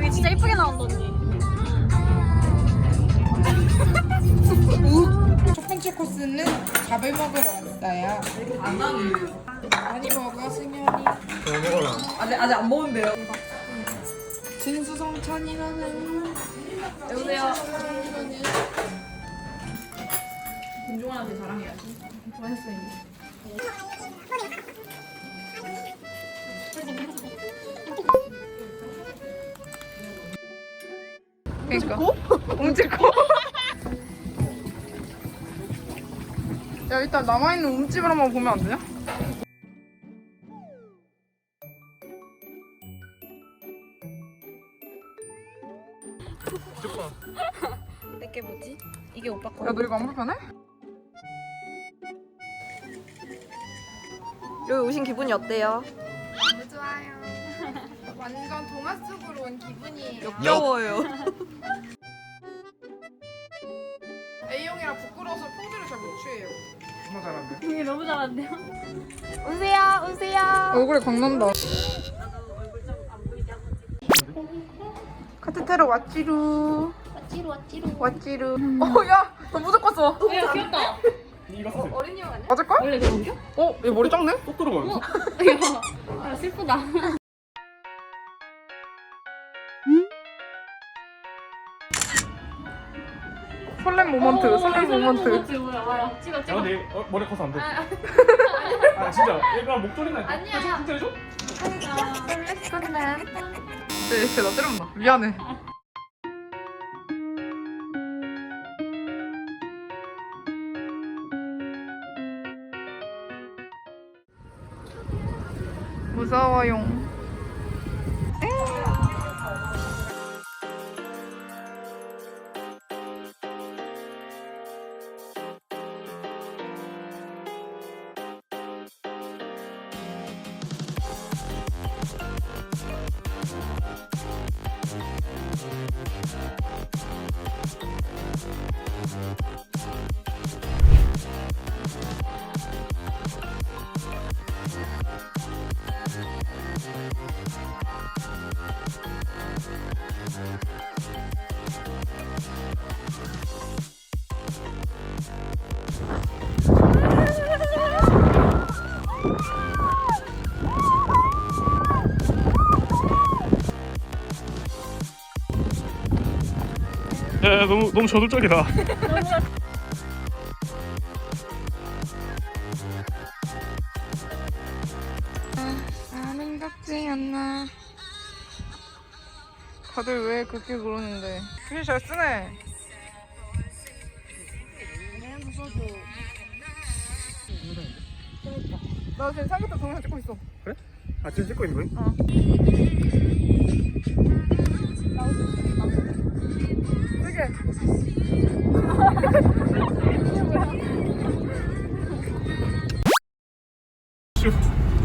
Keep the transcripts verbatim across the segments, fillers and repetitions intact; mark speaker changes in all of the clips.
Speaker 1: 이게 진짜 이쁘게 나온다 언니.
Speaker 2: 첫 번째 코스는 밥을 먹으러 왔어요.
Speaker 3: 안 나는.
Speaker 2: 많이 먹어 승현이.
Speaker 4: 잘 먹어라.
Speaker 3: 아직 아직 안 먹은데요.
Speaker 2: 진수성찬이라는.
Speaker 1: 여보세요.
Speaker 3: 김종환한테 자랑해야지.
Speaker 1: 맛있어 이제.
Speaker 2: 그러니까. 움찔코? 야 일단 남아있는 움집을 한번 보면 안 되냐?
Speaker 1: 내게 뭐지? 이게 오빠 거.
Speaker 2: 야 너 이거 안 불편해?
Speaker 1: 여기 오신 기분이 어때요?
Speaker 2: 너무 좋아요. 완전 동화 속으로 온 기분이에요.
Speaker 1: 역겨워요.
Speaker 2: A형이라 부끄러워서 포즈를 잘 못 취해요.
Speaker 4: 정말 잘한데.
Speaker 1: 이게 너무 잘한데요? 오세요, 오세요.
Speaker 2: 얼굴에 광난다. 카테테로 왓찌루.
Speaker 1: 찌루 찌루.
Speaker 2: 왓찌루. 어, 야, 너 무조건 써.
Speaker 1: 야 귀엽다.
Speaker 4: 이거 쓰세요.
Speaker 1: 어린이 형 아니야?
Speaker 2: 맞을걸?
Speaker 1: 원래 그런겨?
Speaker 2: 어, 얘 머리 작네?
Speaker 4: 쏙 들어가면서.
Speaker 1: 야 슬프다.
Speaker 2: 설렘 모먼트, 설렘 모먼트.
Speaker 1: 뭐야 뭐야. 찍어
Speaker 4: 야
Speaker 1: 찍어.
Speaker 4: 근데 어, 머리 커서 안 돼. 아 진짜 얘가 목소리나 이거.
Speaker 1: 아니야.
Speaker 4: 좀 진짜 해줘?
Speaker 2: 네, 진짜 나 때렸나? 미안해. 무서워요.
Speaker 4: 야, 야 너무 너무 저돌적이다.
Speaker 2: 나는 같지 않나. 다들 왜 그렇게 그러는데? 글씨 잘 쓰네. 나 지금 삼겹살 동영상 찍고 있어.
Speaker 4: 그래? 아 지금 찍고 있는 거니?
Speaker 2: 어. 되게.
Speaker 4: 슈.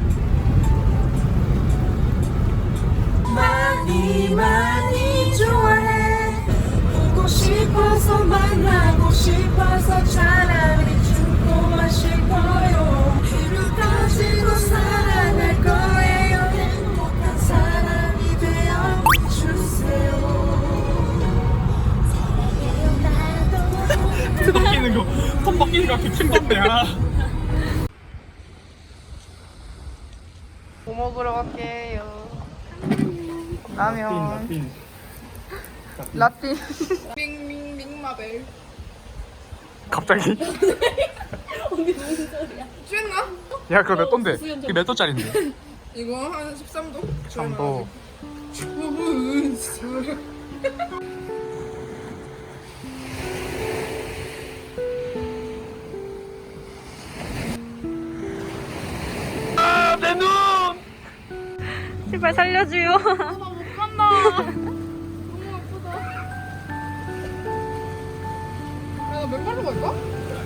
Speaker 5: 많이 많이 좋아해 보고 싶어서 만나고 싶어서 차라리 죽고만 싶어요 피를 가지고 살아날 거예요 행복한 사람이 되어 주세요 사랑해요 나도
Speaker 4: 뜯기는 거, 손 벗기는 거 기침 건데. 아.
Speaker 2: 뭐 먹으러 갈게요? 라면.
Speaker 4: 핀,
Speaker 2: 라틴. 밍밍밍 마벨.
Speaker 4: 갑자기?
Speaker 1: 언니 무슨 소리야?
Speaker 2: 취했나?
Speaker 4: 야 그거 몇 돈데? 이게 몇 도짜리인데?
Speaker 2: 이거 한 십삼 도?
Speaker 4: 삼 도. 아, 내 눈!
Speaker 1: 제발 살려줘요.
Speaker 2: 못 간다. 너무 아프다. 야, 나 맨발로 갈까?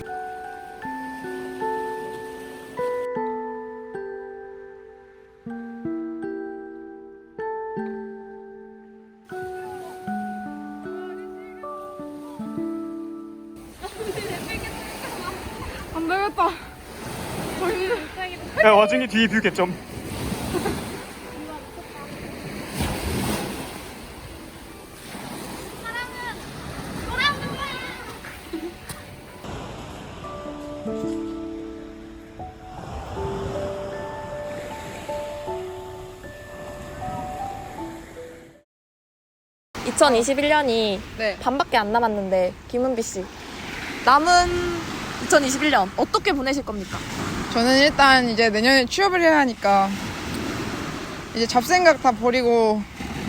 Speaker 2: 안 되겠다. 저희
Speaker 4: 야 와중에 뒤에 뷰 개점.
Speaker 1: 이천이십일 년이
Speaker 2: 네.
Speaker 1: 반밖에 안 남았는데 김은비 씨 남은 이천이십일 년 어떻게 보내실 겁니까?
Speaker 2: 저는 일단 이제 내년에 취업을 해야 하니까 이제 잡생각 다 버리고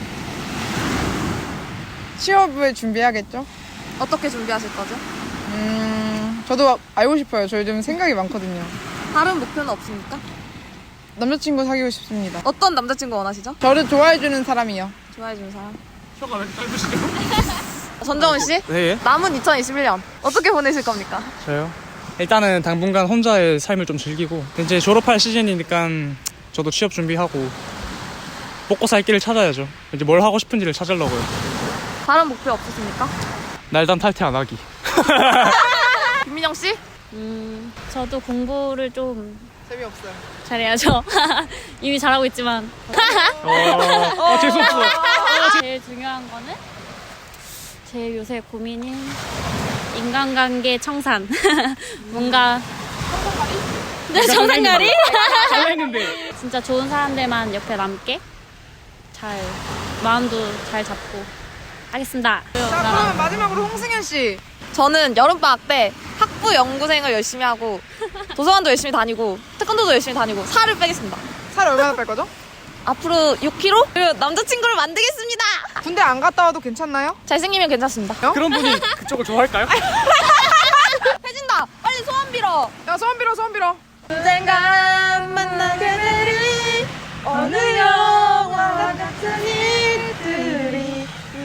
Speaker 2: 취업을 준비해야겠죠?
Speaker 1: 어떻게 준비하실 거죠?
Speaker 2: 음, 저도 알고 싶어요. 저 요즘 생각이 많거든요.
Speaker 1: 다른 목표는 없습니까?
Speaker 2: 남자친구 사귀고 싶습니다.
Speaker 1: 어떤 남자친구 원하시죠?
Speaker 2: 저를 좋아해주는 사람이요.
Speaker 1: 좋아해주는 사람.
Speaker 4: 혀가 왜 이렇게 짧으시죠?
Speaker 1: 전정훈 씨
Speaker 4: 네.
Speaker 1: 남은 이천이십일 년 어떻게 보내실 겁니까?
Speaker 4: 저요? 일단은 당분간 혼자의 삶을 좀 즐기고 이제 졸업할 시즌이니까 저도 취업 준비하고 먹고 살 길을 찾아야죠. 이제 뭘 하고 싶은지를 찾으려고요.
Speaker 1: 다른 목표 없으십니까?
Speaker 4: 날단 탈퇴 안 하기.
Speaker 1: 김민영 씨?
Speaker 6: 음, 저도 공부를 좀
Speaker 2: 재미없어요.
Speaker 6: 잘해야죠. 이미 잘하고 있지만.
Speaker 4: 어, 어 재수없어.
Speaker 6: 제일 중요한 거는 제 요새 고민인 인간관계 청산. 뭔가. 네, 청산가리?
Speaker 4: 잘했는데.
Speaker 6: 진짜 좋은 사람들만 옆에 남게 잘, 마음도 잘 잡고 하겠습니다.
Speaker 2: 자, 그러면 마지막으로 홍승현 씨.
Speaker 1: 저는 여름방학 때 학부 연구생을 열심히 하고 도서관도 열심히 다니고 태권도도 열심히 다니고 살을 빼겠습니다.
Speaker 2: 살 얼마나 뺄 거죠?
Speaker 1: 앞으로 육 킬로그램? 그리고 남자친구를 만들겠습니다.
Speaker 2: 군대 안 갔다 와도 괜찮나요?
Speaker 1: 잘생기면 괜찮습니다.
Speaker 4: 그런 분이 그쪽을 좋아할까요?
Speaker 1: 해진다. 빨리 소원 빌어.
Speaker 2: 야, 소원 빌어, 소원 빌어.
Speaker 1: 언젠간 만나게 되리 어느 영화와 같은 일들이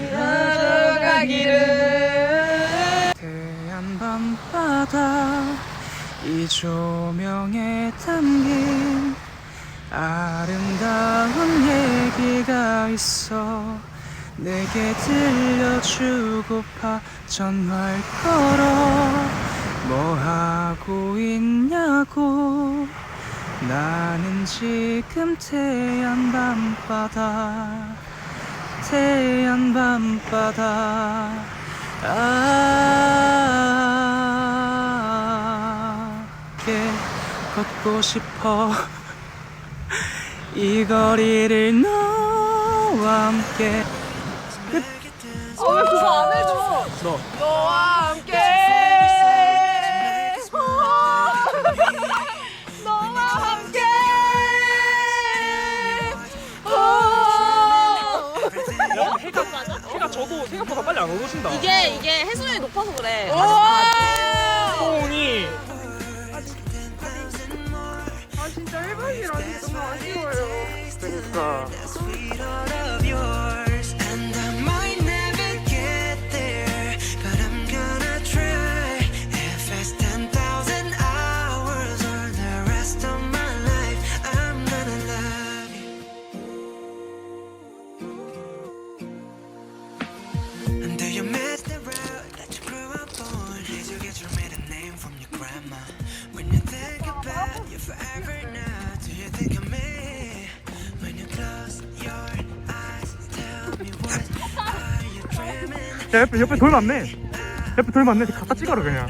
Speaker 1: 이루어가기를.
Speaker 4: 태양 밤바다 이 조명에 담긴 아름다운 얘기가 있어 내게 들려주고파 전화를 걸어 뭐 하고 있냐고 나는 지금 태양 밤바다 태양 밤바다 아 함께 걷고 싶어 이 거리를 너와 함께
Speaker 2: 어, 왜 그거 안 해줘?
Speaker 4: 너
Speaker 2: 너와 함께. 너와 함께.
Speaker 4: 해가, 해가 저도 생각보다 빨리 안 오신다.
Speaker 1: 이게 이게 해수면이 높아서 그래.
Speaker 4: 콩이
Speaker 2: 아, 진짜 일 박이라니 너무 아쉬워요.
Speaker 4: 그러니까 야, 옆에 옆에 돌 많네. 옆에 돌 많네. 갖다 찍어라 그냥.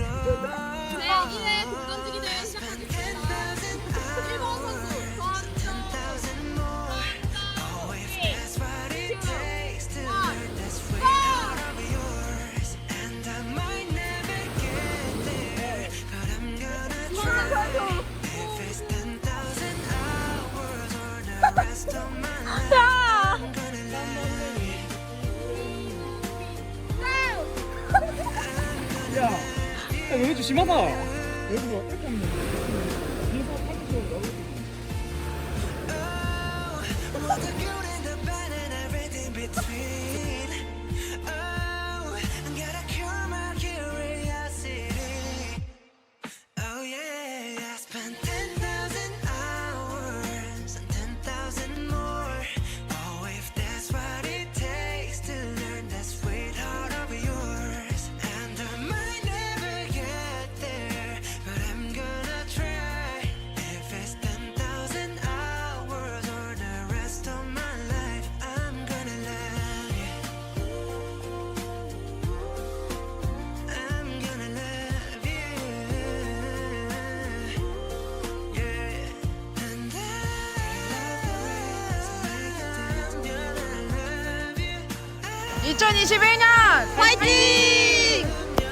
Speaker 4: 야, 야, 너네 좀 심하다. 여기 뭐 이렇게 하면
Speaker 5: Try
Speaker 2: 이천이십일 년
Speaker 1: 파이팅!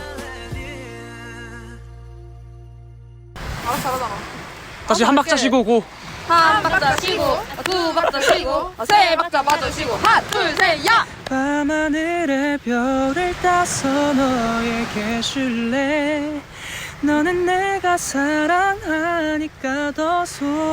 Speaker 2: 아 잘하잖아.
Speaker 4: 다시 한 박자 쉬고 고.
Speaker 1: 한 박자 쉬고, 두 박자 쉬고, 세 박자 마저 쉬고, 하나, 둘, 셋, 야!
Speaker 4: 밤하늘의 별을 따서 너에게 줄래. 너는 내가 사랑하니까 더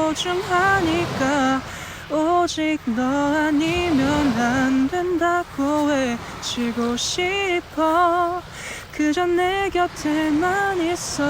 Speaker 4: 소중하니까 오직 너 아니면 안 된다고 외치고 싶어. 그저 내 곁에만 있어.